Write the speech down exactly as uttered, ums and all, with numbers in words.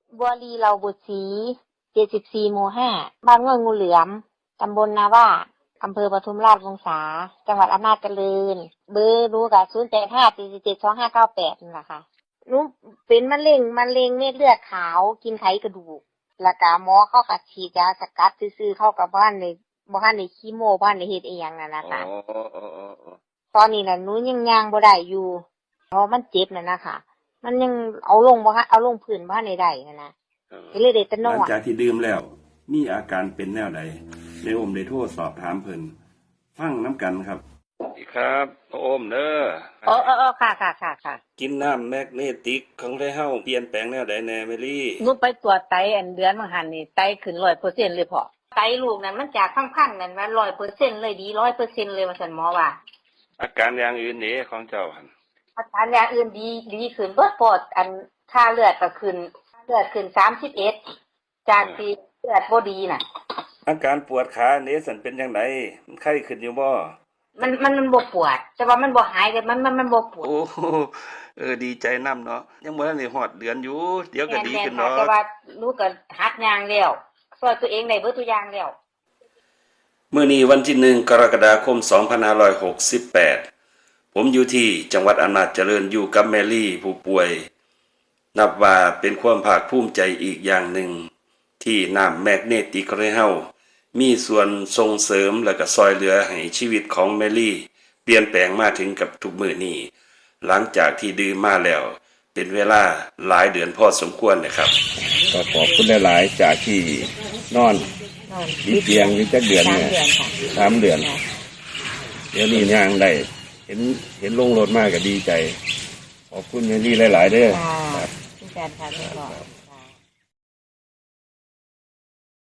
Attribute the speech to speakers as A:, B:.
A: บัวลีเราบุตรศรีเจ็ดสิบสี่หมู่ห้าบ้านง่วยงูเหลือมตำบลนาว่าอำเภอปทุมราชวงศาจังหวัดอำนาจเจริญเบอร์รู้กับศูนย์แปดห้าสี่สี่เจ็ดสองห้าเก้าแปดนี่แหละค่ะหนูเป็นมะเร็งมะเร็งเม็ดเลือดขาวกินไขกระดูกแล้วก็หมอเขาก็ฉีดยาสกัดซื่อๆเข้ากับบ้านในบ้านในคีโมบ้านในเฮ็ดอีหยังนั่นนะคะตอนนี้น่ะหนูยังย่างบ่ได้อยู่เพราะมันเจ็บน่ะนะคะมันยังเอาลงบ่ฮะเอาลงพื้นบ้านได้ๆนั่นนะก็เลยได้แต่นอน
B: หลังจากที่ดื่มแล้วมีอาการเป็นแนวใดในโอมได้โทรสอบถามเพิ่นฟังน้ำกันครับสวัสดีครับพ่อโอมเด้อ
A: อ๋ออ๋อค่ะค่ะค่ะค่ะ
B: กินน้ำแมกนีติกของได้เฮาเปลี่ยนแปลงแนวใดแน่เมลี่
A: หนูไปตรวจไตอันเดือนมาหันนี่ไตขึ้น ร้อยเปอร์เซ็นต์ เลยพ่อไตลูกนั้นมันจากพังๆนั่นว่า ร้อยเปอร์เซ็นต์ เลยดี ร้อยเปอร์เซ็นต์ เลยว่าซั่นหมอว่า
B: อาการอย่างอื่นนี่ของเจ้าหั่น
A: อาการอย่างอื่นดีดีขึ้นเบิดปอดอันค่าเลือดก็ขึ้นเลือดขึ้นสามสิบเอ็ดจากที่เลือดบ่ดีน่ะ
B: อาการปวดขาเนี่ยสันเป็นจังไดมันไข้ขึ้นอยู่บ่
A: มันมันมันบ่ปวดแต่ว่ามันบ่หายแต่มันมันมันบ่ปวด
B: โอ้เออดีใจนำเนาะยังบ่ทันได้ฮอดเดือนอยู่เดี๋ยวก็ดีขึ้นเนาะ
A: แต่ว่าลูกก็หัดย่างแล้วช่วยตัวเองได้เบิดทุกอย่างแล้ว
B: มื้อนี้วันที่หนึ่งกรกฎาคมสองพันห้าร้อยหกสิบแปดผมอยู่ที่จังหวัดอำนาจเจริญอยู่กับแมรี่ผู้ป่วยนับว่าเป็นความภาคภูมิใจอีกอย่างหนึ่งที่น้ำแมกนีติกของเฮามีส่วนส่งเสริมและก็ซอยเหลือให้ชีวิตของแมรี่เปลี่ยนแปลงมาถึงกับทุกมื้อนี้หลังจากที่ดื่มมาแล้วเป็นเวลาหลายเดือนพอสมควรนะครับก็ขอบคุณหลายๆจากที่นอนติดเตียงอยู่จักเดือนเนี่ยสามเดือนเดี๋ยวนี้ย่างได้เห็นเห็นลงรถมากก็ดีใจขอบคุณแมรี่หลายๆเด้อครับ
A: ที่แฟนค่ะ